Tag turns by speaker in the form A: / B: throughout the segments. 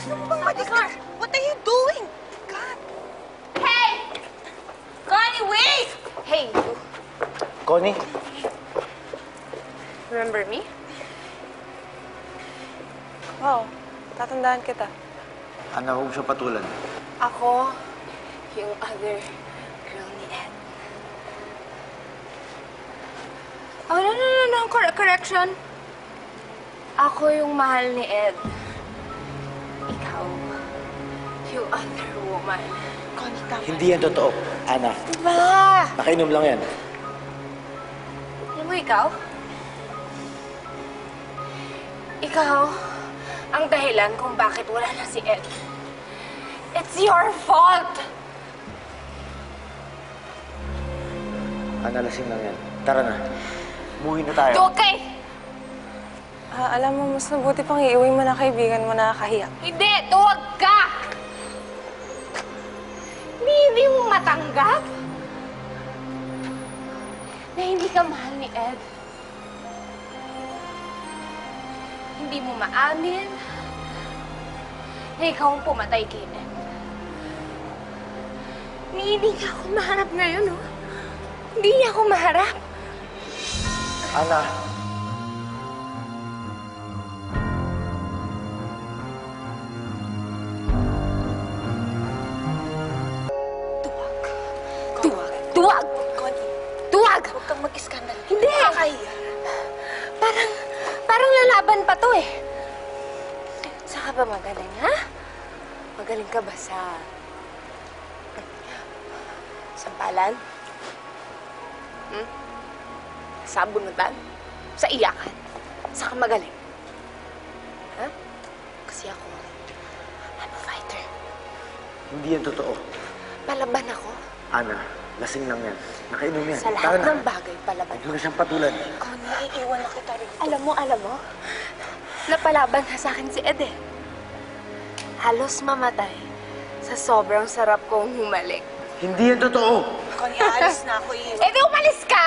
A: Gusto mo bang madiscuss? What are you doing? God!
B: Hey! Connie, wait! Hey, you.
C: Connie?
B: Remember me?
A: Wow, tatandaan kita.
C: Ana, huwag mo siya patulan.
B: Ako, yung other girl ni Ed. Oh, no. Correction. Ako yung mahal ni Ed. Ikaw, yung other woman.
A: Connie, tama.
C: Hindi yan totoo, Ana.
B: Diba?
C: Nakainom lang yan.
B: Alam mo ikaw? Ikaw ang dahilan kung bakit wala na si Ed. It's your fault!
C: Ana, lasing lang yan. Tara na. Umuwi na tayo.
B: Okay!
A: Alam mo, mas mabuti pang iuwi mo na kaibigan mo, nakakahiya.
B: Hindi! Tuwag ka! Hindi mo matanggap na hindi ka mahal ni Ed. Hindi mo maamin na ikaw ang pumatay kay Ed. Hindi niya ako maharap ngayon, oh. Hindi niya ako maharap.
C: Ana.
B: Tuwag!
A: Connie,
B: Tuwag!
A: huwag kang mag-iskandal.
B: Hindi!
A: Nakakahiya.
B: Parang lalaban pa to eh. Saan ka ba magaling, ha? Magaling ka ba sa sampalan? Sa bunutan? Sa iyakan? Saan ka magaling? Ha? Kasi ako, I'm a fighter.
C: Hindi yan totoo.
B: Palaban ako.
C: Ana, lasing lang yan. Nakainom yan.
B: Sa lahat ng bagay, palaban
C: Huwag mo na siyang patulan.
A: Connie, iiwan na kita rito.
B: Alam mo, napalaban na sa akin si Ed eh. Halos mamatay sa sobrang sarap kong humalik.
C: Hindi yan totoo.
A: Connie, aalis na ako. Iiwan.
B: Eh di umalis ka!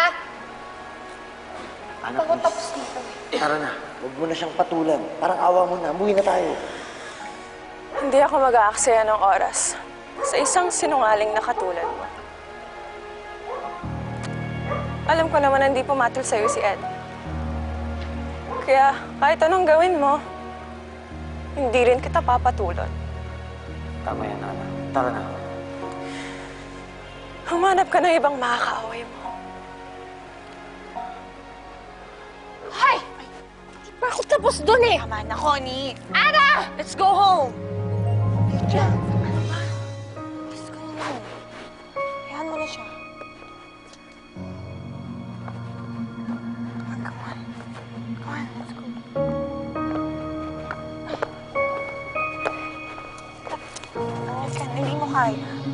C: Ana,
B: Ako
C: please.
B: tapos dito eh.
C: Tara na. Huwag mo na siyang patulan. Parang awa mo na. Umuwi na tayo.
A: Hindi ako mag-aaksaya ng oras sa isang sinungaling na katulad mo. Alam ko naman na hindi pumatol sa'yo si Ed. Kaya kahit anong gawin mo, hindi rin kita papatulon.
C: Tama yan, Ana. Tara na.
A: Humanap ka ng ibang makakaaway mo.
B: Hay! Di pa ako tapos dun eh!
A: Tama na, Connie.
B: Ana! Let's go home!
A: Lydia, ano ba? Let's go home. Iyan mo na siya. Come on. Come on, let's go. Alis ka na, hindi mo kaya.